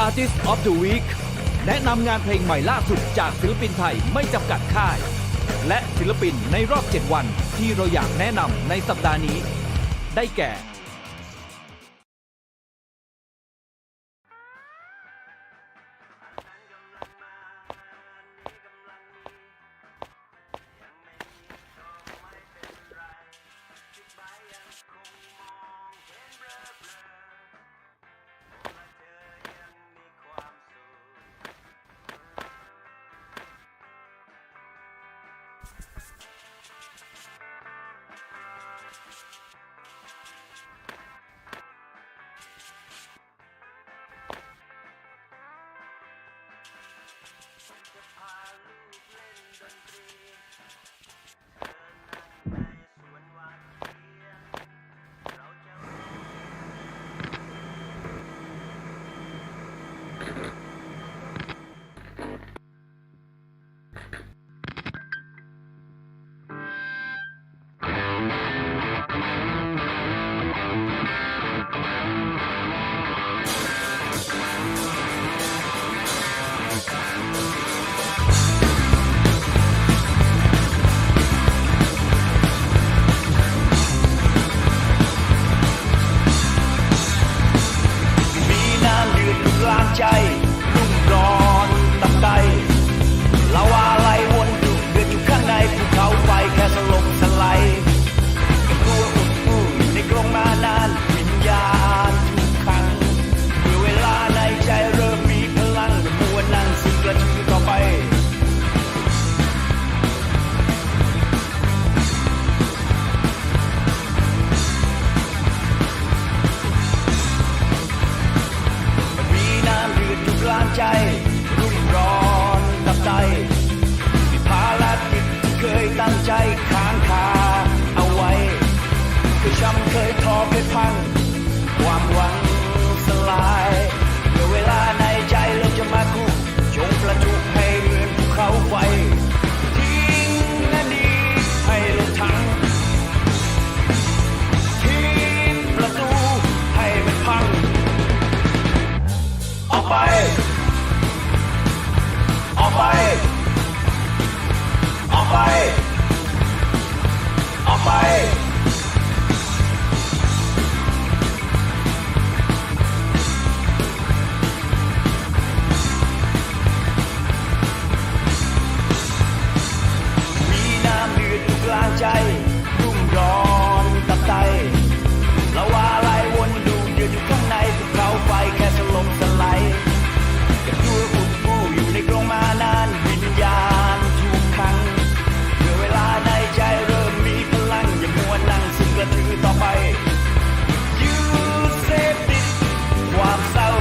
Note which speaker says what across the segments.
Speaker 1: Artist of the Week แนะนำงานเพลงใหม่ล่าสุดจากศิลปินไทยไม่จำกัดค่าย และศิลปินในรอบ 7 วันที่เราอยากแนะนำในสัปดาห์นี้ ได้แก่
Speaker 2: ใจรุ่มร้อนตับไตลาวาไหลวนดุเดือดอยู่ข้างในภูเขาไฟแค่สลบสลายกับตัวอุดอู้ในกรงมานานวิญญาณถูกขังเมื่อเวลาในใจเริ่มมีพลังมัวนั่งสิ่งกระชือต่อไปกลางใจรุ่มร้อนตับไตภารกิจที่เคยตั้งใจค้างคาเอาไว้เคยช้ำเคยท้อเคยพังความหวังสลายเมื่อเวลาในใจเราจะมาคู่จงประจุให้เหมือนภูเขาไฟทิ้งอดีตให้ลงถังทิ้งประตูให้มันพังออกไปออกไปออกไปออกไปมีน้ำเดือดอยู่กลางใจรุ่มร้อนตับไตลาวาไหลวนดูเดือดอยู่ข้างในภูเขาไฟแค่สลบสลายกับตัวอุดอู้อยู่ในกรงมานานวิญญาณถูกขังเมื่อเวลาในใจเริ่มมีพลังอย่ามัวนั่งซึ่งกระชือต่อไปยืดเสพติดความเศร้า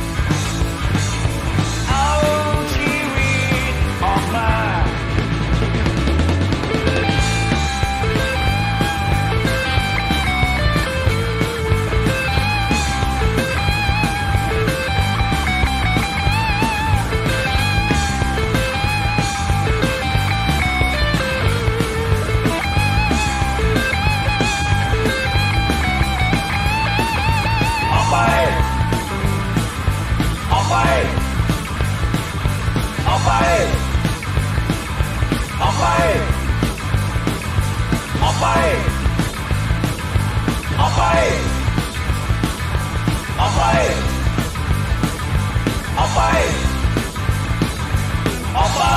Speaker 2: เอาชีวิตออกมาออกไปออกไปออกไปออกไปออกไปออกไปออกไปออกไป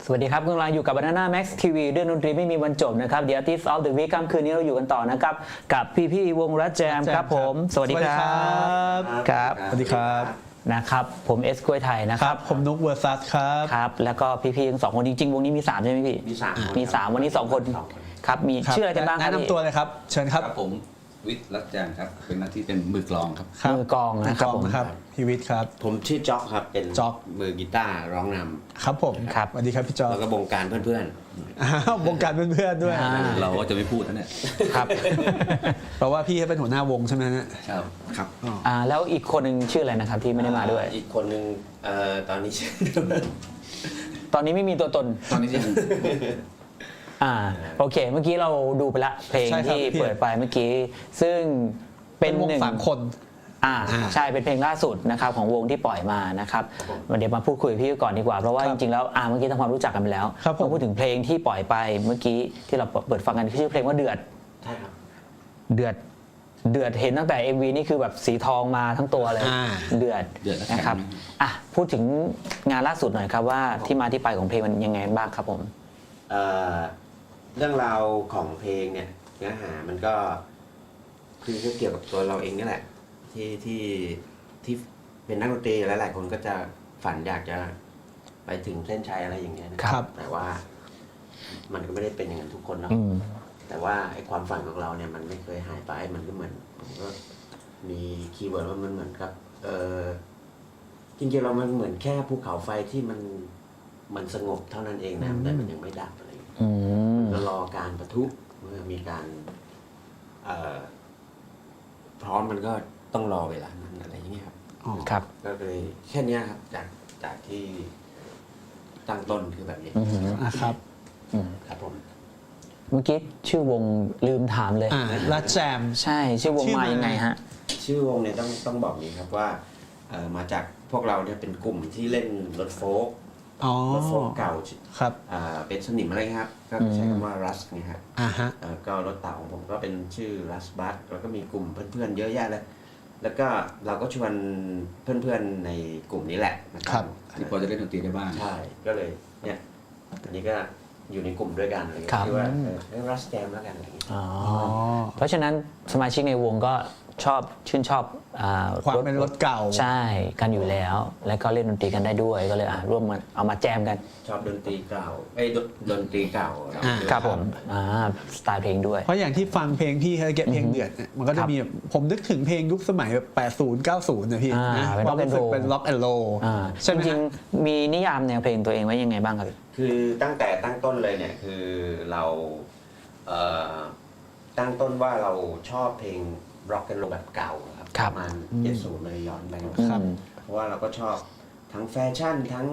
Speaker 3: สวัสดีครับกำลังอยู่กับ Banana Max TV เรื่องดนตรีไม่มีวันจบนะครับ The Artist of the Week ค่ำคืนนี้เราอยู่กันต่อนะครับกับพี่ๆวงรัชแจมครับผมสวัสดีครับครับ
Speaker 4: สวัสดีครับ
Speaker 3: นะครับผมเอสกล้วยไทยนะ
Speaker 4: ค
Speaker 3: ค
Speaker 4: รั
Speaker 3: รั
Speaker 4: บบ ผมนุกเวอร์ซัสครับ
Speaker 3: ครับแล้วก็พี่ๆทั้งสองคนจริงๆวงนี้มี3ใช่ไหมพี่
Speaker 5: มี3
Speaker 3: มี3วันนี้2คนครับมีชื่ออะไรกันบ้างครับ
Speaker 4: แนะนำตัวเลยครับ เชิญครับ
Speaker 5: ครับผมวิทย์รัตแจมครับเป็นหน้าที่เป็นมือกลองครับ
Speaker 4: ครับ
Speaker 3: มือกลองนะครับ
Speaker 4: มือกลองนะครับพี่วิทย์ครับ
Speaker 5: ผมชื่อจ๊อกครับเป็น
Speaker 4: จ๊อก
Speaker 5: มือกีตาร์ร้องน
Speaker 4: ครับผม
Speaker 3: ครับ
Speaker 4: สวัสดีครับพี่จอ
Speaker 5: ำแล้วก็บงการเพื่อน
Speaker 4: อ้าววงการเพื่อนๆด้วย
Speaker 3: อ่า
Speaker 5: ๆ เราก็จะไม่พูดนะเนี่ย
Speaker 3: ครับ
Speaker 4: เพราะว่าพี่เขาเป็นหัวหน้าวงใช่ไหมฮะ
Speaker 5: ครับครับ
Speaker 3: แล้วอีกคนหนึ่งชื่ออะไรนะครับที่ไม่ได้มาด้วย
Speaker 5: อีกคนนึงตอนนี้ชื่อ
Speaker 3: ตอนนี้ไม่มีตัวตน
Speaker 5: ตอนนี้ชื่อ
Speaker 3: โอเค เมื่อกี้เราดูไปละเพลง
Speaker 4: ใช่ครับ
Speaker 3: ที่
Speaker 4: พี่
Speaker 3: เปิดไปเมื่อกี้ ซึ่งเป็
Speaker 4: เป็น นวง
Speaker 3: หนึ่ง
Speaker 4: 3 คน
Speaker 3: ใช่เป็นเพลงล่าสุดนะครับของวงที่ปล่อยมานะครับเดี๋ยวมาพูดคุยกับพี่ก่อนดีกว่าเพราะว่า
Speaker 4: ค
Speaker 3: จ
Speaker 4: รับ
Speaker 3: ริงๆแล้วเมื่อกี้ทำความรู้จักกันไปแล้ว
Speaker 4: ครับผม
Speaker 3: มาพูดถึงเพลงที่ปล่อยไปเมื่อกี้ที่เราเปิดฟังกันชื่อเพลงว่าเดือด
Speaker 5: ใช่ครับ
Speaker 3: เดือดเดือดเห็นตั้งแต่ MV นี่คือแบบสีทองมาทั้งตัวเลย เดือด
Speaker 5: เดือดและแข็ง
Speaker 3: นะครับพูดถึงงานล่าสุดหน่อยครับว่าที่มาที่ไปของเพลงมันยังไงบ้างครับผม
Speaker 5: เรื่องราวของเพลงเนี่ยเนื้อหามันก็คือเกี่ยวกับตัวเราเองนี่แหละที่เป็นนักดนตรีหลายๆคนก็จะฝันอยากจะไปถึงเส้นชัยอะไรอย่างเงี้ยนะครับ แต่ว่ามันก็ไม่ได้เป็นอย่างนั้นทุกคนเนาะ
Speaker 3: อืม
Speaker 5: แต่ว่าไอ้ความฝันของเราเนี่ยมันไม่เคยหายไปมันก็เหมือนผมก็มีคีย์เวิร์ดว่ามันเหมือนกับจริงๆเรามันเหมือนแค่ภูเขาไฟที่มันสงบเท่านั้นเองนะแต่มันยังไม่ดับอะไรอย่างเงี้ย
Speaker 3: อืม
Speaker 5: ก็รอการปะทุเมื่อมีการพร้อมมันก็ต้องรอเวลานั้นอะไรอย่างเงี้ยครับ
Speaker 3: ครับ
Speaker 5: ก็เลยแค่เนี้ยครับจากที่ตั้งต้นคือแบบนี้
Speaker 3: อือหือ
Speaker 4: ครับ
Speaker 5: ครับผม
Speaker 3: เมื่อกี้ชื่อวงลืมถามเลย
Speaker 4: รัดแจม
Speaker 3: ใช่ชื่อวง
Speaker 4: ชื่อ
Speaker 3: มา
Speaker 4: มายั
Speaker 3: ยังไงฮะ
Speaker 5: ชื่อวงเนี่ยต้องบอกนี้ครับว่ามาจากพวกเราเนี่ยเป็นกลุ่มที่เล่นรถโฟล์ก
Speaker 4: อ๋อ
Speaker 5: รถโฟล์กเก่า
Speaker 4: ครับ
Speaker 5: เป็นสนิมอะไรเงี้ยครับก็ใช้คำว่ารัสเนี่ยครับ
Speaker 4: ฮะ
Speaker 5: ก็รถเต่าของผมก็เป็นชื่อรัสบัสแล้วก็มีกลุ่มเพื่อนๆเยอะแยะเลยแล้วก็เราก็ชวนเพื่อนๆในกลุ่มนี้แหละนะครับ
Speaker 6: ที่พอจะเล่นดนตรีได้บ้าง
Speaker 5: ใช่ก็เลยเนี่ยอันนี้ก็อยู่ในกลุ่มด้วยกันอะไรเงี้
Speaker 3: ครับ
Speaker 5: ยที่ว่ารัสแจมแล้วกันอะไรเงี้ย
Speaker 3: อ๋อเพราะฉะนั้นสมาชิกในวงก็ชื่นชอบ
Speaker 4: ความเป็นรถเก่า
Speaker 3: ใช่กันอยู่แล้ว แล้วก็เล่นดนตรีกันได้ด้วยก็เลยร่วมมาเอามาแจมกัน
Speaker 5: ชอบดนตรีเก่าดนตรีเก่า
Speaker 3: ครับผมสไตล์เพลงด้วย
Speaker 4: เพราะอย่างที่ฟังเพลงพี่เขาเก็บเพลงเดือดเนี่ยมันก็จะมีแบบผมนึกถึงเพลงยุคสมัยแบบ80 90นะพี่นะ
Speaker 3: เป็น
Speaker 4: ความรู้สึก
Speaker 3: rock and roll
Speaker 4: เป็นล็อกแอนด์โร ใช่ไหม
Speaker 3: จริง
Speaker 4: ฮะ
Speaker 3: ๆมีนิยามแนวเพลงตัวเองไว้ยังไงบ้างครับ
Speaker 5: คือตั้งแต่ตั้งต้นเลยเนี่ยคือเราตั้งต้นว่าเราชอบเพลงร็อกแอนด์โรแบบเก่าครับ
Speaker 3: ครับ
Speaker 5: ประมาณ70เลยย้อนไป
Speaker 4: ครับ
Speaker 5: เพราะว่าเราก็ชอบทั้งแฟชั่นทั้ง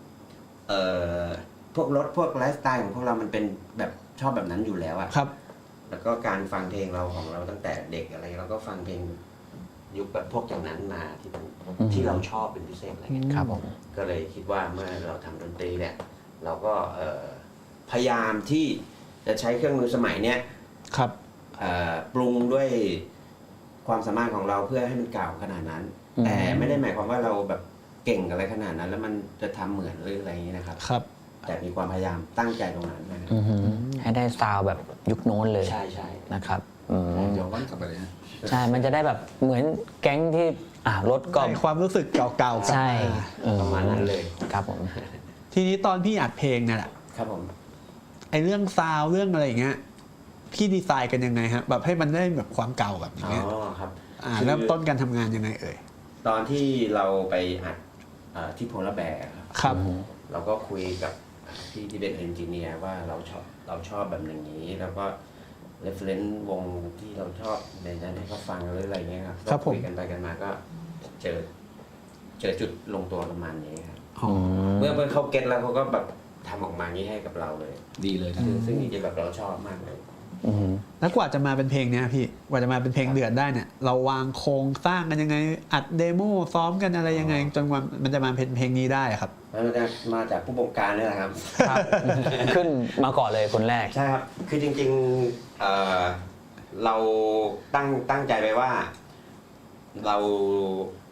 Speaker 5: พวกรถพวกไลฟ์สไตล์ของพวกเรามันเป็นแบบชอบแบบนั้นอยู่แล้วอะ
Speaker 4: ครับ
Speaker 5: แล้วก็การฟังเพลงเราของเราตั้งแต่เด็กอะไรเราก็ฟังเพลงยุคแบบพวกอย่างนั้นมาที่เราชอบเป็นพิเศษอะไรเงี้ย
Speaker 3: ครับผม
Speaker 5: ก็เลยคิดว่าเมื่อเราทำดนตรีเนี่ยเราก็พยายามที่จะใช้เครื่องมือสมัยเนี้ย
Speaker 4: ครับ
Speaker 5: ปรุงด้วยความสามารถของเราเพื่อให้มันเก่าขนาดนั้น แต่ไม่ได้หมายความว่าเราแบบเก่งอะไรขนาดนั้น แล้วมันจะทำเหมือนหรืออะไรอย่างนี้นะครับ
Speaker 4: ครับ
Speaker 5: แต่มีความพยายามตั้งใจตรงนั้นนะครับ
Speaker 3: ให้ได้ซาวด์แบบยุคโน้นเลย
Speaker 5: ใช่ใช่
Speaker 3: นะครับ
Speaker 6: ย้อนกลับไปเลยฮะ
Speaker 3: ใช่มันจะได้แบบเหมือนแก๊งที่รถก็
Speaker 4: ในความรู้สึกเก่าๆกลับ
Speaker 3: ใช่
Speaker 5: ประมาณนั้นเลย
Speaker 3: ครับผม
Speaker 4: ทีนี้ตอนพี่อัดเพลงเนี่ยแหละ
Speaker 5: ครับผม
Speaker 4: ไอเรื่องซาวด์เรื่องอะไรอย่างเงี้ยพี่ดีไซน์กันยังไงฮะแบบให้มันได้แบบความเก่าแบบอย่าง
Speaker 5: อ๋
Speaker 4: เงี้ย
Speaker 5: อครับ
Speaker 4: เริ่มต้นการทำงานยังไงเอ่ย
Speaker 5: ตอนที่เราไปอัดที่โพลาร์แบร์ครับ
Speaker 4: ครับ
Speaker 5: เราก็คุยกับพี่ที่เป็นเอนจิเนียร์ว่าเราชอบแบบอย่างนี้ แล้วก็เรฟเฟรนซ์วงที่เราชอบในนั้นให้เขาฟังหรืออะไรเงี้ยครับ
Speaker 4: ครับผม
Speaker 5: ก็คุยกันไปกันมาก็เจอจุดลงตัวประมาณนี้ครับ
Speaker 4: อ๋อ
Speaker 5: เมื่อเขาเก็ตแล้วเขาก็แบบทำออกมานี้ให้กับเราเลย
Speaker 6: ดีเลยนะ
Speaker 5: ซึ่งจริงๆแบบเราชอบมากเลย
Speaker 4: แล้วกว่าจะมาเป็นเพลงเนี้ยพี่กว่าจะมาเป็นเพลงเดือดได้เนี่ยเราวางโครงสร้างกันยังไงอัดเดโมซ้อมกันอะไรยังไงจนวันมันจะมาเป็นเพลงนี้ได้อะครับ
Speaker 5: มันจะมาจากผู้บงการนี่แหละครับ
Speaker 3: ครับ ขึ้นมาก่อนเลยคนแรก
Speaker 5: ใช่ครับ คือจริงๆเราตั้งใจไปว่าเรา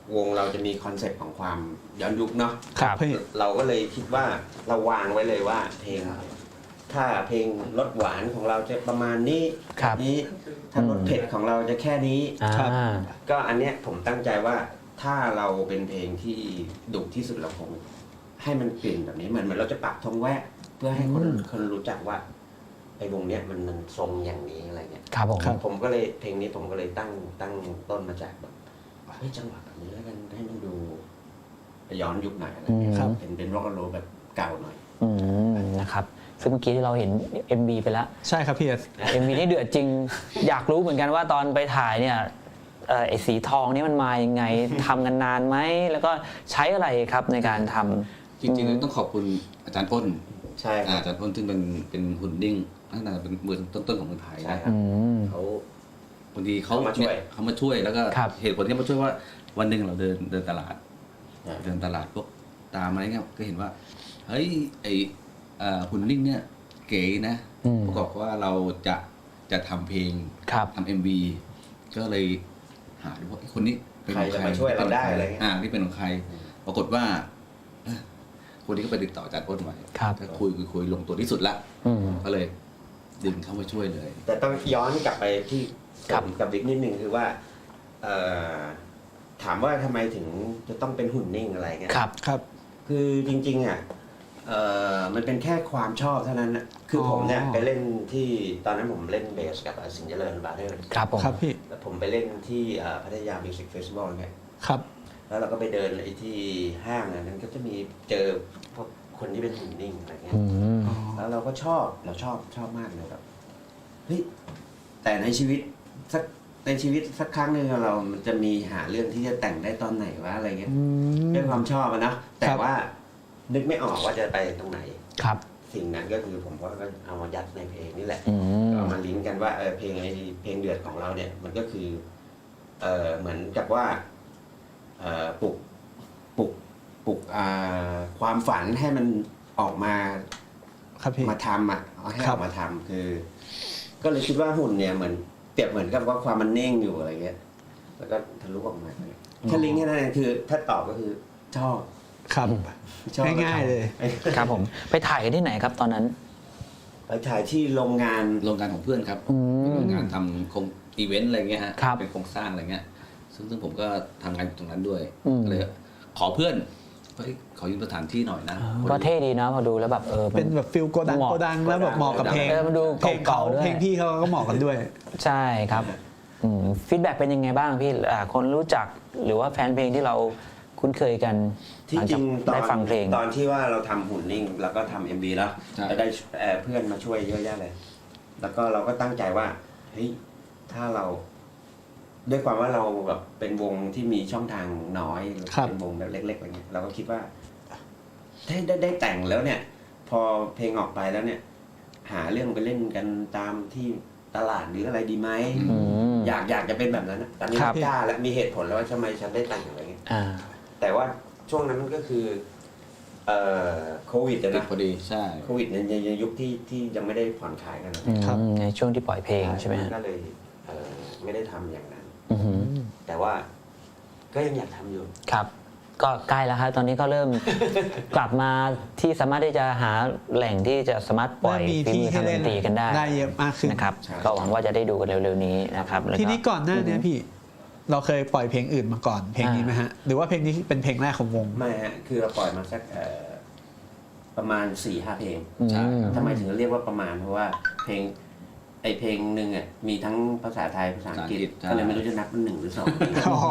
Speaker 5: วงเราจะมีคอนเซ็ปต์ของความย้อนยุคเนาะ
Speaker 3: ครับ
Speaker 4: พี่
Speaker 5: เราก็เลยคิดว่าเราวางไว้เลยว่าเพลง ถ้าเพลงรสหวานของเราจะประมาณนี้
Speaker 3: ครับ
Speaker 5: นี้ถ้ารสเผ็ดของเราจะแค่นี้
Speaker 4: ครับ
Speaker 5: ก็อันเนี้ยผมตั้งใจว่าถ้าเราเป็นเพลงที่ดุที่สุดเราคงให้มันเปลี่ยนแบบนี้เหมือนเราจะปักธงแวะเพื่อให้คนรู้จักว่าไอ้วงเนี้ยมันทรงอย่างนี้อะไรเงี้ย
Speaker 3: ครับผม
Speaker 4: ครับ
Speaker 5: ผมก็เลยเพลงนี้ผมก็เลยตั้งต้นมาจากแบบเฮ้ยจังหวะแบบนี้แล้วกันให้มันดูย้อนยุคหน่อยอะไรเงี้ย
Speaker 3: ครับ
Speaker 5: เป็นร็อกโรแบบเก่าหน่อย
Speaker 3: นะครับซึ่งเมื่อกี้ที่เราเห็น MV ไปแล้ว
Speaker 4: ใช่ครับพี่เอส
Speaker 3: MV นี่เดือดจริง อยากรู้เหมือนกันว่าตอนไปถ่ายเนี่ยไอ้สีทองนี่มันมายังไง ทำกันนานไหมแล้วก็ใช้อะไรครับในการทำ
Speaker 6: จริงๆต้องขอบคุณอาจารย์อ้น
Speaker 5: ใช่ครับ
Speaker 6: อาจารย์อ้นซึ่งเป็นหุ่นดิ้งตั้งแต่เป็นมือต้นๆของเมืองไทย
Speaker 5: ใช่
Speaker 6: นะครับ
Speaker 5: เขา
Speaker 6: บางทีเขา
Speaker 5: เขามาช่วย
Speaker 6: เนี่ยเขามาช่วยแล้วก็
Speaker 3: ครับ
Speaker 6: เหตุผลที่เขามาช่วยว่าวันหนึ่งเราเดินตลาด
Speaker 5: อ่า
Speaker 6: เดินตลาดพวกตามอะไรเงี้ยก็เห็นว่าเฮ้ยไอหุ่นดิ้งเนี่ยเก๋นะ
Speaker 3: อืม
Speaker 6: ประกอบว่าเราจะทำเพลง
Speaker 3: ครับ
Speaker 6: ทำ MV ก็เลยหาดูว่าไอ้คนนี้เป็น
Speaker 5: ใคร
Speaker 6: ของ
Speaker 5: จะมาช่วยเราได้อะไรเงี้ย
Speaker 6: ที่เป็นของใคร ปรากฏว่าเอ้อคนนี้ก็ไปติดต่ออาจารย์อ้นไว้
Speaker 3: ครับ
Speaker 6: ก็คุยลงตัวที่สุดละ
Speaker 3: อืม
Speaker 6: ก็เลยดึงเข้ามาช่วยเลย
Speaker 5: แต่ต้องย้อนกลับไปที่
Speaker 3: ครับ
Speaker 5: กับบิ๊กนิดนึงคือว่าเอ่อถามว่าทำไมถึงจะต้องเป็นหุ่นนิ่งอะไรเงี้ย
Speaker 3: ครับ
Speaker 4: ครับ
Speaker 5: คือจริงๆอ่ะมันเป็นแค่ความชอบเท่านั้นนะคือผมเนี่ย
Speaker 4: อ๋อ
Speaker 5: ไปเล่นที่ตอนนั้นผมเล่นเบสกับสิงห์เจริญบาร์เทอร์
Speaker 3: ครับผม
Speaker 4: ครับพี่
Speaker 5: แล้วผมไปเล่นที่พัทยามิวสิกเฟสติวัลไง
Speaker 4: ครับ
Speaker 5: แล้วเราก็ไปเดินไอ้ที่ห้างอันนั้นก็จะมีเจอพวกคนที่เป็นหุ่นนิ่งอะไรเงี้ย
Speaker 3: อืม
Speaker 5: แล้วเราก็ชอบมากเลยแบบเฮ้ยแต่ในชีวิตสักครั้งหนึ่งเรามันจะมีหาเรื่องที่จะแต่งได้ตอนไหนวะอะไรเงี้ยด้วยความชอบอะนะแต่ว่านึกไม่ออกว่าจะไปตรงไหน
Speaker 3: ครับ
Speaker 5: สิ่งนั้นก็คือผมก็เอามายัดในเพลงนี่แหละ
Speaker 3: อืม
Speaker 5: เอามาลิงก์กันว่าเพลงเพลงเดือดของเราเนี่ยมันก็คือเหมือนกับว่าปลุกความฝันให้มันออกมา
Speaker 4: ครับพี่
Speaker 5: มาทำอ่ะเอาให้
Speaker 4: ครั
Speaker 5: อบ อกมาทำคือ ก็เลยคิดว่าหุ่นเนี่ยเหมือนเปรียบเหมือนกับว่าความมันเน่งอยู่อะไรเงี้ยแล้วก็ทะลุออกมาแค่ลิงก์แค่นั้นเองคือ ถ้าตอบก็คือชอบ
Speaker 4: ครับ
Speaker 5: ชอบ
Speaker 4: ง่ายๆเลย
Speaker 3: ครับผมไปถ่ายกันที่ไหนครับตอนนั้น
Speaker 5: ไปถ่ายที่โรงงาน
Speaker 6: โรงงานของเพื่อนครับ
Speaker 3: อืม
Speaker 6: เป็นโรงงานทำโครงอีเวนต์อะไรเงี้ยฮะ
Speaker 3: ครับ
Speaker 6: เป็นโครงสร้างอะไรเงี้ยซึ่งผมก็ทำงานอยู่ตรงนั้นด้วย
Speaker 3: อืม
Speaker 6: ก็เลยขอเพื่อนเฮ้ยขอยืมสถานที่หน่อยนะ
Speaker 3: ก็เท่ดีนะพอดูแล้วแบบมัน
Speaker 4: เป็นแบบฟิลโกดัง
Speaker 3: เหมาะ
Speaker 4: โกดังแล้วแบบเหมาะกับเพลง
Speaker 3: มันดู
Speaker 4: เพลงเขา
Speaker 3: เก่าๆด้วย
Speaker 4: เพลงพี่เขาก็เหมาะกันด้วย
Speaker 3: ใช่ครับฟีดแบ็กเป็นยังไงบ้างพี่คนรู้จักหรือว่าแฟนเพลงที่เราคุ้นเคยกัน
Speaker 5: ที่จริง
Speaker 3: หลัจากได้ฟังเพลง
Speaker 5: ตอนที่ว่าเราทำหุ่นนิ่ง แล้วก็ทำ MV แล้ว
Speaker 6: ใช่
Speaker 5: แล้วได้เพื่อนมาช่วยเยอะแยะเลย แล้วก็เราก็ตั้งใจว่าเฮ้ยถ้าเรา ด้วยความว่าเราแบบเป็นวงที่มีช่องทางน้อย
Speaker 4: ครับ
Speaker 5: เป็นวงแบบเล็กๆอะไรเงี้ยเราก็คิดว่าได้แต่งแล้วเนี่ย พอเพลงออกไปแล้วเนี่ย หาเรื่องไปเล่นกันตามที่ตลาดหรืออะไรดีไหม
Speaker 3: อืม
Speaker 5: อยากจะเป็นแบบนั้นนะตอนนี้
Speaker 3: ครับ
Speaker 5: ไม่กล้าแล้วมีเหตุผลแล้วว่าทำไมฉันได้แต่งอะไรเงี้ย
Speaker 3: อ่า
Speaker 5: แต่ว่าช่วงนั้นก็คือโควิดอะ
Speaker 6: ติด
Speaker 5: นะ
Speaker 6: พอดีใช่
Speaker 5: โควิดในยุคที่ยังไม่ได้ผ่อนคลายกันนะ
Speaker 4: ครับ
Speaker 3: ในช่วงที่ปล่อยเพลงใช่ไหมฮะ
Speaker 5: ก็เลยไม่ได้ทำอย่างนั้น
Speaker 3: อือหือ
Speaker 5: แต่ว่าก็ยังอยากทำอยู่
Speaker 3: ครับ ก็ใกล้แล้วครับตอนนี้ก็เริ่ม กลับมาที่สามารถที่จะหาแหล่งที่จะสามารถปล่อย
Speaker 4: มี
Speaker 3: ฝี
Speaker 4: ที่
Speaker 3: มือ
Speaker 4: ให้
Speaker 3: ทางด
Speaker 4: เล่น
Speaker 3: นตรีกันได้
Speaker 4: ได้เยอะมากขึ้น
Speaker 3: นะครับ
Speaker 5: ใช่
Speaker 3: ก็หวังว่าจะได้ดูกันเร็วๆนี้นะครับแล้ว
Speaker 4: ทีนี้ก่อนหน้าเนี้พี่ เราเคยปล่อยเพลงอื่นมาก่อนเพลงนี้ไหมฮะ หรือว่าเพลงนี้เป็นเพลงแรกของวง
Speaker 5: ไม่ฮะคือเราปล่อยมาสักประมาณ 4-5 เพลง
Speaker 6: ใช่
Speaker 5: ทำไมถึงเรียกว่าประมาณเพราะว่าเพลงเพลงหนึ่งอ่ะมีทั้งภาษาไทยภาษาอังกฤษ
Speaker 6: ใช่
Speaker 5: ก็เลยไม่รู้จะนับเป็น1 หรือ
Speaker 4: อ๋อ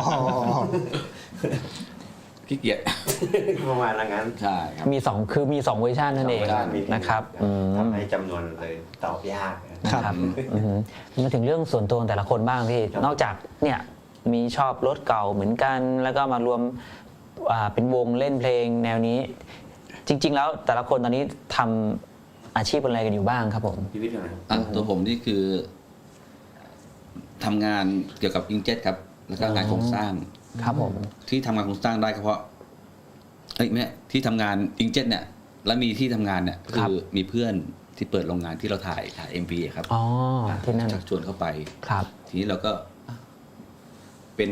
Speaker 6: ขี้เกียจ
Speaker 5: 2 ประมาณนั้น
Speaker 6: ใช่ครับ
Speaker 3: มีสองคือมี2เวอร์ชันนั่นเอง
Speaker 5: สองเวอร์ชันมี
Speaker 3: นะครับอืม
Speaker 5: ทำให้จำนวนเลยตอบยากนะ
Speaker 4: ครับ
Speaker 3: นะครับอือหือมาถึงเรื่องส่วนตัวของแต่ละคนบ้างพี่
Speaker 5: ครับ
Speaker 3: นอกจากเนี่ยมีชอบรถเก่าเหมือนกัน แล้วก็มารวมเป็นวงเล่นเพลงแนวนี้ จริง ๆ แล้วแต่ละคนตอนนี้ทำอาชีพอะไรกันอยู่บ้างครับผม
Speaker 5: พี่วิทย์นะครับ
Speaker 6: ตัวผมนี่คือทำงานเกี่ยวกับอิงเจ็ตครับ แล้วก็งานโครงสร้าง
Speaker 3: ครับผม
Speaker 6: ที่ทำงานโครงสร้างได้ก็เพราะเอ้ยแม่ที่ทำงานอิงเจ็ตเนี่ย แล้วมีที่ทำงานเนี่ย
Speaker 3: ครั
Speaker 6: คื
Speaker 3: บ
Speaker 6: อมีเพื่อนที่เปิดโรงงานที่เราถ่าย MV ครับ
Speaker 3: อ๋อที่นั่น
Speaker 6: ชักชวนเข้าไป
Speaker 3: ครับ
Speaker 6: ทีนี้เราก็เป็น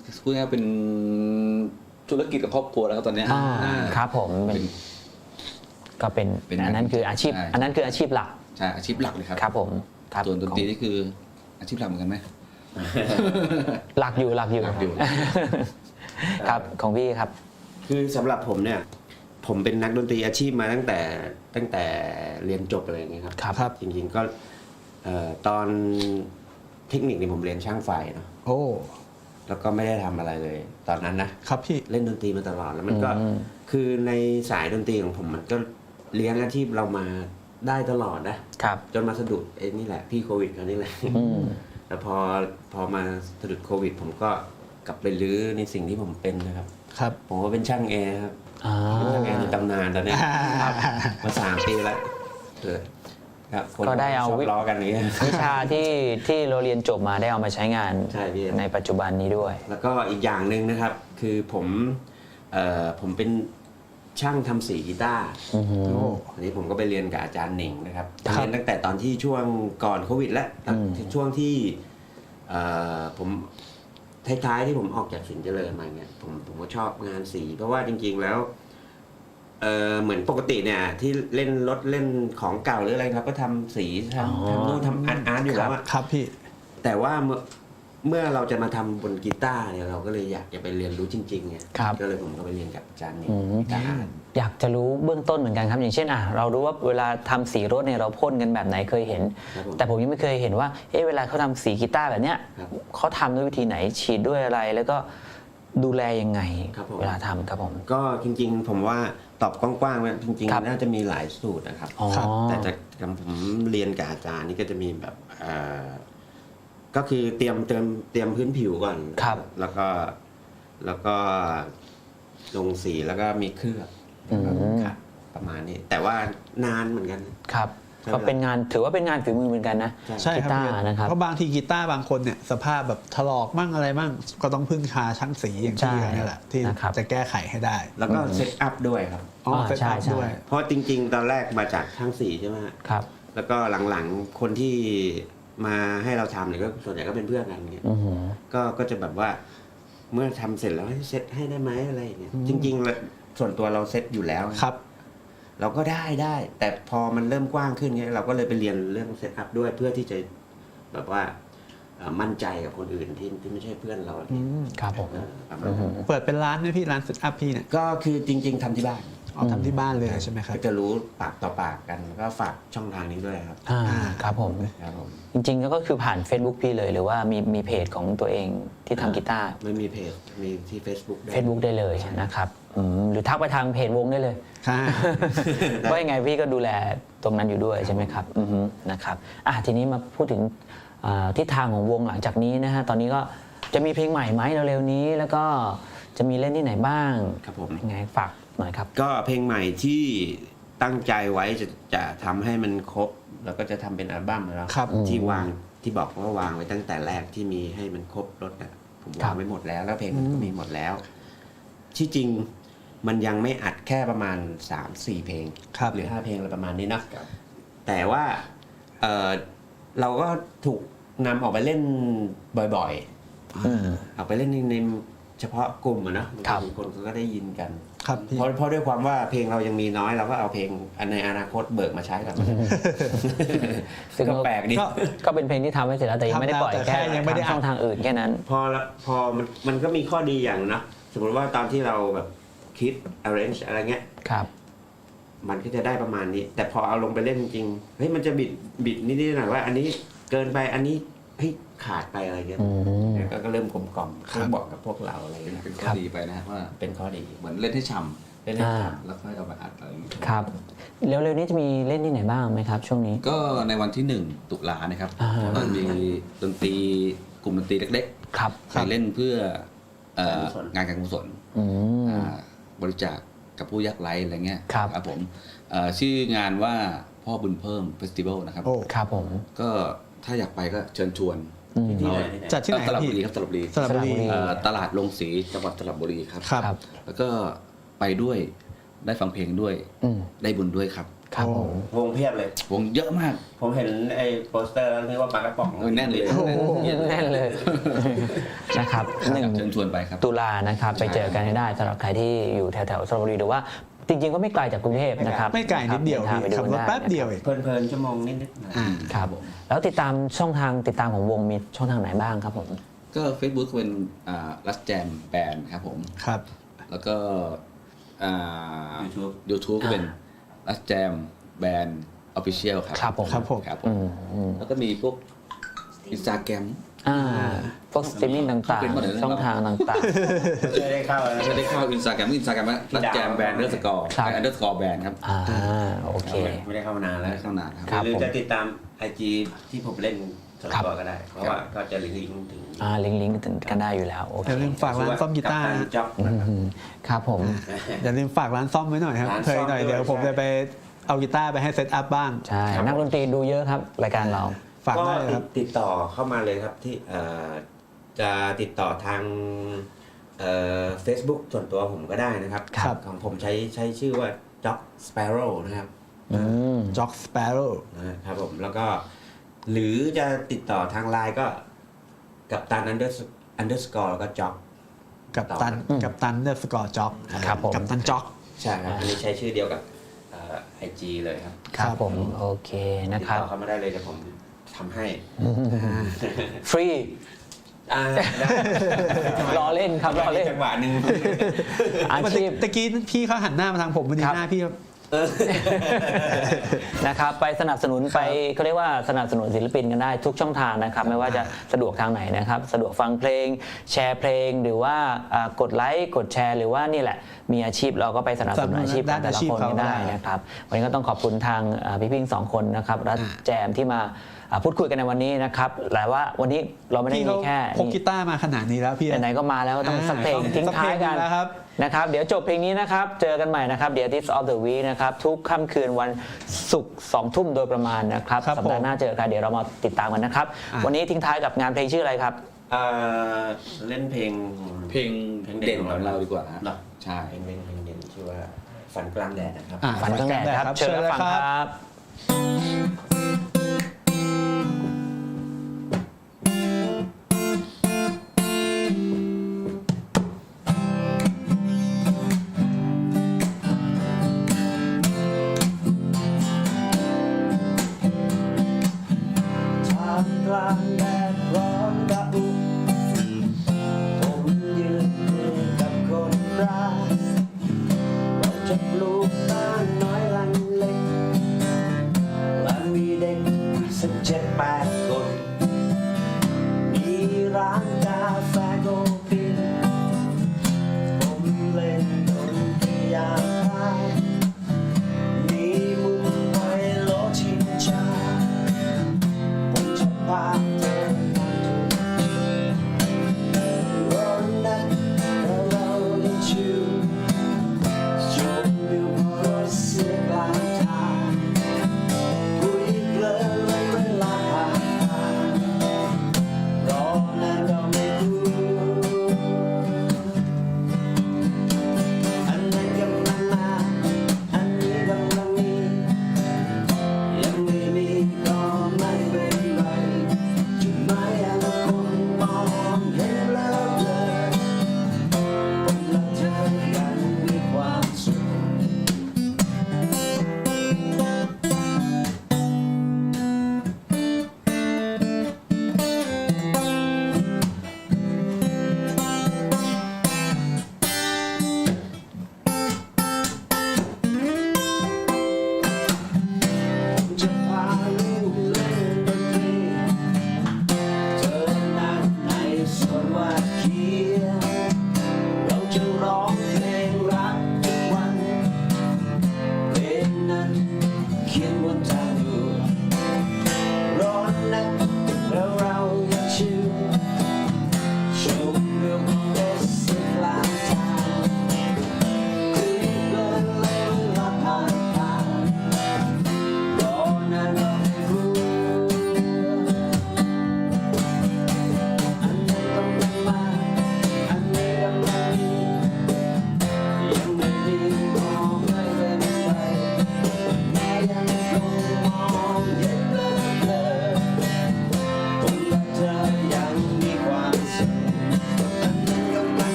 Speaker 6: พูดง่ายๆเป็นธุรกิจกับครอบครัวแล้วครับตอนเนี้ย
Speaker 3: ครับผมก็เป็น
Speaker 6: เป็น
Speaker 3: อันนั้นคืออาชีพ
Speaker 6: ใช่
Speaker 3: อันนั้นคืออาชีพหลัก
Speaker 6: ใช่อาชีพหลักเลยครับ
Speaker 3: ครับผมครับ
Speaker 6: ส่วนดนตรีนี่คืออาชีพหลักเหมือนกันไหม
Speaker 3: หลักอยู่
Speaker 6: หลักอยู่
Speaker 3: ครับของพี่ครับ
Speaker 5: คือสำหรับผมเนี่ย ผมเป็นนักดนตรีอาชีพมาตั้งแต่เรียนจบอะไรอย่างเงี้ยครับ
Speaker 3: ครับ
Speaker 5: จริงๆก็ตอนเทคนิคนี่ผมเรียนช่างไฟเนาะ
Speaker 4: โอ้
Speaker 5: แล้วก็ไม่ได้ทำอะไรเลย ตอนนั้นนะครับ
Speaker 4: พี่
Speaker 5: เล่นดนตรีมาตลอดแล้วมันก็
Speaker 3: อืม
Speaker 5: คือในสายดนตรีของผมมันก็เลี้ยงอาชีพเรามาได้ตลอดนะครับ จนมาสะดุดไอ้นี่แหละพี่โควิดเขานี่แหละ
Speaker 3: อืม
Speaker 5: แต่พอมาสะดุดโควิด ผมก็กลับไปรื้อในสิ่งที่ผมเป็นนะครับ
Speaker 4: ครับ
Speaker 5: ผมก็เป็นช่างแอร์ครับ
Speaker 3: อ่า
Speaker 5: เป็นช่างแอร์ในตำนานตอนเนี้ยมา3 ปีแล้วครับคน
Speaker 3: ก็ได้เอา
Speaker 5: ชอบล้อกันอย่างเงี้ย
Speaker 3: วิชาที่เราเรียนจบมาได้เอามาใช้งาน
Speaker 5: ใช่พี่
Speaker 3: ในปัจจุบันนี้ด้วย
Speaker 5: แล้วก็อีกอย่างหนึ่งนะครับ คือผมเป็นช่างทำสีกีตาร์
Speaker 3: อือหือ
Speaker 4: โอ้
Speaker 5: อันนี้ผมก็ไปเรียนกับอาจารย์หนิงนะครับ
Speaker 3: ครับ
Speaker 5: เรียนตั้งแต่ตอนที่ช่วงก่อนโควิดแล้ว
Speaker 3: อืม
Speaker 5: ช่วงที่ผมท้ายๆที่ผมออกจากสินเจริญมาเนี่ยผมก็ชอบงานสี เพราะว่าจริงๆแล้วเหมือนปกติเนี่ยที่เล่นรถเล่นของเก่าหรืออะไรครับ ก็ทำสีทำนู่นทำอาร์ตอยู่แล้วอะ
Speaker 4: ครับพี่
Speaker 5: แต่ว่าเมื่อเราจะมาทำบนกีตาร์เนี่ยเราก็เลยอยากจะไปเรียนรู้จริงๆไง
Speaker 3: ครับ
Speaker 5: ก็เลยผมก็ไปเรียนกับอาจารย์หนิง
Speaker 3: อืม
Speaker 5: กีตาร์
Speaker 3: อยากจะรู้เบื้องต้นเหมือนกันครับ อย่างเช่นเรารู้ว่าเวลาทำสีรถเนี่ยเราพ่นกันแบบไหนเคยเห็น
Speaker 5: ครับผม
Speaker 3: แต่ผมยังไม่เคยเห็นว่าเวลาเขาทำสีกีตาร์แบบเนี้ย
Speaker 5: ครับ
Speaker 3: เขาทำด้วยวิธีไหนฉีดด้วยอะไรแล้วก็ดูแลยังไง
Speaker 5: ครับผม
Speaker 3: เวลาทำครับผม
Speaker 5: ก็จริงๆ ผมว่าตอบกว้างๆว่าจริง
Speaker 3: ครับ
Speaker 5: ๆ น่าจะมีหลายสูตรนะครับ
Speaker 3: อ๋อ
Speaker 5: แต่จากผมเรียนกับอาจารย์นี่ก็จะมีแบบก็คือเตรียมพื้นผิวก่อน
Speaker 3: ครับ
Speaker 5: แล้วก็ลงสีแล้วก็มีเคลือบ
Speaker 3: อืม
Speaker 5: ครับประมาณนี้ แต่ว่านานเหมือนกัน
Speaker 3: ครับ
Speaker 5: ใช่
Speaker 3: ก็เป็นงานถือว่าเป็นงานฝีมือเหมือนกันนะ
Speaker 4: ใช่ครับ
Speaker 3: กีตาร์นะครับ
Speaker 4: เพราะบางทีกีตาร์บางคนเนี่ยสภาพแบบถลอกมั่งอะไรมั่งก็ต้องพึ่งพาช่างสีอย่างที่
Speaker 3: ใช่
Speaker 4: นี่แหละที่
Speaker 3: นะครับ
Speaker 4: จะแก้ไขให้ได้
Speaker 5: แล้วก็เซตอัพด้วยครับ
Speaker 4: อ๋อ
Speaker 3: อ่า
Speaker 4: เซต
Speaker 3: ใช่
Speaker 4: อัพ
Speaker 3: ใช่
Speaker 4: ด้วย
Speaker 5: เพราะจริง ๆ ตอนแรกมาจากช่างสีใช่ไหมฮะ
Speaker 3: ครับ
Speaker 5: แล้วก็หลังๆคนที่มาให้เราทำเนี่ยก็ส่วนใหญ่ก็เป็นเพื่อนกันอย่างเงี้ย
Speaker 3: อือหือ
Speaker 5: ก็จะแบบว่าเมื่อทำเสร็จแล้วให้เซตให้ได้ไหมอะไรอย่างเงี้ยจริงๆแล้วส่วนตัวเราเซตอยู่แล้ว
Speaker 4: ครับ
Speaker 5: เราก็ได้ แต่พอมันเริ่มกว้างขึ้นเงี้ยเราก็เลยไปเรียนเรื่องเซตอัพด้วยเพื่อที่จะแบบว่ามั่นใจกับคนอื่นที่ไม่ใช่เพื่อนเรา
Speaker 3: ครับผม
Speaker 5: ประมาณนั้น
Speaker 4: เปิดเป็นร้านไหมพี่ร้านเซตอัพพี่เนี่ย
Speaker 5: ก็คือจริง ๆทำที่บ้าน
Speaker 4: เอาทำที่บ้านเลยใช่ไหมครับ
Speaker 5: ก็จะรู้ปากต่อปากกันแล้วก็ฝากช่องทางนี้ด้วยครับ
Speaker 3: ครับผม
Speaker 5: ครับผม
Speaker 3: จริงๆก็คือผ่าน Facebook พี่เลยหรือว่ามีเพจของตัวเองที่ทำกีตาร์
Speaker 5: ไม่มีเพจมีที่ Facebook ด้วย
Speaker 3: Facebook ได้เลยนะครับหรือทักไปทางเพจวงได้เลย
Speaker 4: ค่ะ
Speaker 3: ว่ายังไงพี่ก็ดูแลตรงนั้นอยู่ด้วยใช่ไหมครับอือฮึนะครับทีนี้มาพูดถึงทิศทางของวงหลังจากนี้นะฮะตอนนี้ก็จะมีเพลงใหม่ไหมเร็วๆนี้ แล้วก็จะมีเล่นที่ไหนบ้าง
Speaker 5: ครับผม
Speaker 3: ยังไงฝากหน่อยครับ
Speaker 5: ก็เพลงใหม่ที่ตั้งใจไว้จะทำให้มันครบ แล้วก็จะทำเป็นอัลบั้มแล้ว
Speaker 4: ครับ
Speaker 5: ที่วางที่บอกว่าวางไว้ตั้งแต่แรกที่มีให้มันครบรถนะผม
Speaker 3: ครั
Speaker 5: วาง
Speaker 3: บ
Speaker 5: ไว้หมดแล้ว แล้วเพลงมันก็มีหมดแล้ว ที่จริงมันยังไม่อัดแค่ประมาณ 3-4 เพลง
Speaker 4: ครับ
Speaker 5: หรือ 5 เพลงอะไรประมาณนี้นะแต่ว่าเราก็ถูกนำออกไปเล่นบ่อยๆออกไปเล่นในเฉพาะกลุ่มอะนะครับ คนก็ได้ยินกัน
Speaker 4: ครับพี่
Speaker 5: เพราะด้วยความว่าเพลงเรายังมีน้อยเราก็เอาเพลงในอนาคตเบิกมาใช้กัน
Speaker 3: ซึ่ง
Speaker 5: ก็แปลกดี
Speaker 3: ก็เป็นเพลงที่ทำไว้เสร็จแล้วแต่ยังไม่ได้ปล่อย
Speaker 4: ทำแล้วแต่
Speaker 3: แค่
Speaker 4: แค่ยังไม่ได้อัด
Speaker 3: ทางช่องทางอื่นแค่นั้น
Speaker 5: พอมันก็มีข้อดีอย่างนะสมมติว่าตอนที่เราแบบคิด arrange อะไรเงี้ย
Speaker 3: ครับ
Speaker 5: มันก็จะได้ประมาณนี้ แต่พอเอาลงไปเล่นจริงเฮ้ยมันจะบิดนิดๆหน่อยว่า อันนี้เกินไปอันนี้เฮ้ยขาดไปอะไรเงี้ย
Speaker 3: อืม
Speaker 5: ก็เริ่มกลมกล่อมเริ่มบอกกับพวกเราอะไรเงี้ย
Speaker 6: เป็นข้อดีไปนะฮะว่า
Speaker 5: เป็นข้อดี
Speaker 6: เหมือนเล่นให้ฉ่
Speaker 5: เล่นให้ท
Speaker 6: ำแล้วค่อยเอามาอัดอะไรอย่างเงี้ย
Speaker 3: ครับเร็วๆนี้จะมีเล่นที่ไหนบ้างไหมครับ ช่วงนี้
Speaker 6: ก็ในวันที่ 1 ตุลานะครับ
Speaker 3: อ่า
Speaker 6: เรามีดนตรีกลุ่มดนตรีเล็ก
Speaker 3: ครับ
Speaker 6: ๆไปเล่นเพื่อ
Speaker 5: การกุศล
Speaker 6: งานการกุศล
Speaker 3: อืม
Speaker 6: บริจาคกับผู้ยากไร้อะไรเงี้ย
Speaker 3: ครับ
Speaker 6: ผมชื่องานว่าพ่อบุญเพิ่มเฟสติวัลนะครับ
Speaker 4: โอ้
Speaker 3: ครับผม
Speaker 6: ก็ถ้าอยากไปก็เชิญชวน
Speaker 5: ำที่ไหน
Speaker 4: จัดที่ไหน
Speaker 6: สระ
Speaker 4: พี่
Speaker 6: บุรีครับสระบุรี
Speaker 4: สระบุรี
Speaker 6: ตลาดลงสีจังหวัดสระบุรีครับ
Speaker 4: ครับ
Speaker 3: ครับ
Speaker 6: แล้วก็ไปด้วยได้ฟังเพลงด้วย
Speaker 3: อืม
Speaker 6: ได้บุญด้วยครับ
Speaker 3: ครับผม
Speaker 5: วงเพียบเลย
Speaker 6: วงเยอะมาก
Speaker 5: ผมเห็นไอ้โปสเตอร์แล้วนึกว่าปลากระป๋อง
Speaker 6: แน่นเลย
Speaker 3: แน่นเลยนะครับ
Speaker 6: เชิญชวนไปครับ
Speaker 3: ตุลานะครับไปเจอกันให้ได้สำหรับใครที่อยู่แถวๆสระบุรีหรือว่าจริงๆก็ไม่ไกลจากกรุงเทพนะครับ
Speaker 4: ไม่ไกลนิดเดียว
Speaker 3: ทางไปดู
Speaker 4: ขับรถ
Speaker 3: ได้
Speaker 4: แป๊บเดียวเอง
Speaker 5: เพลินๆชั่วโมงนิดๆนะ
Speaker 4: อ่า
Speaker 3: ครับแล้วติดตามช่องทางติดตามของวงมีช่องทางไหนบ้างครับผม
Speaker 6: ก็ Facebook เป็นรัสแจมแบนด์ครับผม
Speaker 4: ครับ
Speaker 6: แล้วก็YouTube ก็เป็นรัสแจมแบนด์ออฟฟิเชียลครับ
Speaker 3: ครับผม
Speaker 4: ครับผม
Speaker 6: ครับผ
Speaker 3: อื
Speaker 6: ม
Speaker 3: ม
Speaker 6: แล้วก็มีพวกอินสตาแกรม
Speaker 3: พวกสตรีมมิ่งต่าง
Speaker 6: เป็นหมดเลยนะ
Speaker 3: ๆช่องทางต่าง
Speaker 5: ไม่ได้เข้าแล้ว
Speaker 6: ไม่ได้เข้าอินสตาแกรมว่ารัสแจมแบนด์_แบนด์ครับ
Speaker 3: ๆโอเค
Speaker 5: ไม่ได้เข้ามานานแล้ว
Speaker 6: ไม่ได้เข้านานครับ
Speaker 3: ครับ
Speaker 5: หรือ
Speaker 3: ผม
Speaker 5: จะติดตาม IG ที่ผมเล่นส่วนตัวก็ได้ เพราะว่าก็จะลิงก์ถึง
Speaker 3: ลิงก์กันได้อยู่แล้วโอเค
Speaker 4: อย่าลืมฝากร้านซ่อมกีตาร์
Speaker 5: กัป
Speaker 4: นะ
Speaker 5: ตันจ๊อก
Speaker 3: ครับผม
Speaker 4: อย่าลืมฝากร้านซ่อมไว้หน่อยครับ
Speaker 5: ร้าน
Speaker 4: เค
Speaker 5: ซ่
Speaker 4: ย
Speaker 5: อม
Speaker 4: หน่อย
Speaker 5: ด้วย
Speaker 4: เดี๋ยวผม
Speaker 5: ใช่
Speaker 4: จะไปเอากีตาร์ไปให้เซตอัพบ้าง
Speaker 3: ใช่นักดนตรีดูเยอะครับรายการเรา
Speaker 4: ฝาก
Speaker 5: ก็
Speaker 4: ได้เลยครับ
Speaker 5: ติดต่อเข้ามาเลยครับที่จะติดต่อทางFacebook ส่วนตัวผมก็ได้นะครับ
Speaker 4: ครับ
Speaker 5: ของผมใช้ชื่อว่า Jock Sparrow นะครับ
Speaker 4: จ็อกสเปโร่
Speaker 5: นะครับผมแล้วก็หรือจะติดต่อทางไลน์ก็กับตัน_แล้วก็จ็อก
Speaker 4: กับตันเดอร์สกอร์จ็อก
Speaker 3: ครับผม
Speaker 4: กับตันจ็อก
Speaker 5: ใช่ครับอันนี้ใช้ชื่อเดียวกับIG เลยครับ
Speaker 3: ครับผมโอเคนะ
Speaker 5: ติด
Speaker 3: ครับ
Speaker 5: ต่อเข้ามาได้เลยเดี๋ยวผมทำให้
Speaker 3: ฟรี
Speaker 5: ได้
Speaker 3: ล้อเล่นครับล้อเล่น
Speaker 5: จังหวะหนึ่ง
Speaker 3: อาชีพ
Speaker 4: ตะกี้พี่เขาหันหน้ามาทางผมพอดี
Speaker 3: ครับ
Speaker 4: หน้าพี่
Speaker 3: นะครับไปสนับสนุนไปเขาเรียกว่าสนับสนุนศิลปินกันได้ทุกช่องทางนะครับไม่ว่าจะสะดวกทางไหนนะครับสะดวกฟังเพลงแชร์เพลงหรือว่ากดไลค์กดแชร์หรือว่านี่แหละมีอาชีพเราก็ไปสนับสนุนอาชีพของแต่ละคนกันได้นะครับวันนี้ก็ต้องขอบคุณทางพี่พิงสองคนนะครับรัฐแจมที่มาพูดคุยกันในวันนี้นะครับแต่ว่าวันนี้เราไม่ได้
Speaker 4: พี่
Speaker 3: มี
Speaker 4: เขา
Speaker 3: แค่
Speaker 4: พกกีตาร์มาขนาดนี้แล้วพี่
Speaker 3: ไหนๆก็มาแล้วก็ต้องสักเพลงทิ้งท้ายกัน
Speaker 4: แล้วครับ
Speaker 3: นะครับเดี๋ยวจบเพลงนี้นะครับเจอกันใหม่นะครับเดี๋ยว This of the Week นะครับทุกค่ำคืนวันศุกร์2 ทุ่มโดยประมาณนะครับ
Speaker 4: ครับ
Speaker 3: สัปดาห์หน้าเจอกันเดี๋ยวเรามาติดตามกันนะครับวันนี้ทิ้งท้ายกับงานเพลงชื่ออะไรครับ
Speaker 5: เล่นเพลง
Speaker 6: เพลงเด่นของเราดีกว่าฮะ
Speaker 5: เหรอ
Speaker 6: ใช่
Speaker 5: เพลงเด่นชื่อว่าฝันกลางแดดนะครับ
Speaker 3: ฝันข้างแดดครับเชิญรับฟังครับ
Speaker 2: ท่ามกลางแดดร้อนระอุผมยืนคุยกับคนรักเราจะปลูกบ้านน้อยหลังเล็กและมีเด็กสัก7-8 คนมีร้านกาแฟโกฟินผมเล่นดนตรียามเช้ามีมุมไว้โลชิงชาผมจะพาเธอมาดูร้อนนักแต่เราได้ชิวชมวิวพอรถเสียกลางทางคุยเพลินเลยเวลาผ่านรอนานก็ไม่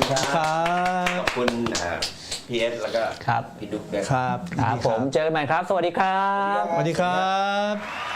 Speaker 3: ครับ
Speaker 4: ครับ
Speaker 5: ขอบคุณพีเอสแล้วก็
Speaker 3: ครับ
Speaker 5: พี่ดุ๊กด้วย
Speaker 4: ครับ
Speaker 3: ครับผมเจอกันใหม่ครับ สวัสดีครับ
Speaker 4: สวัสดีครับ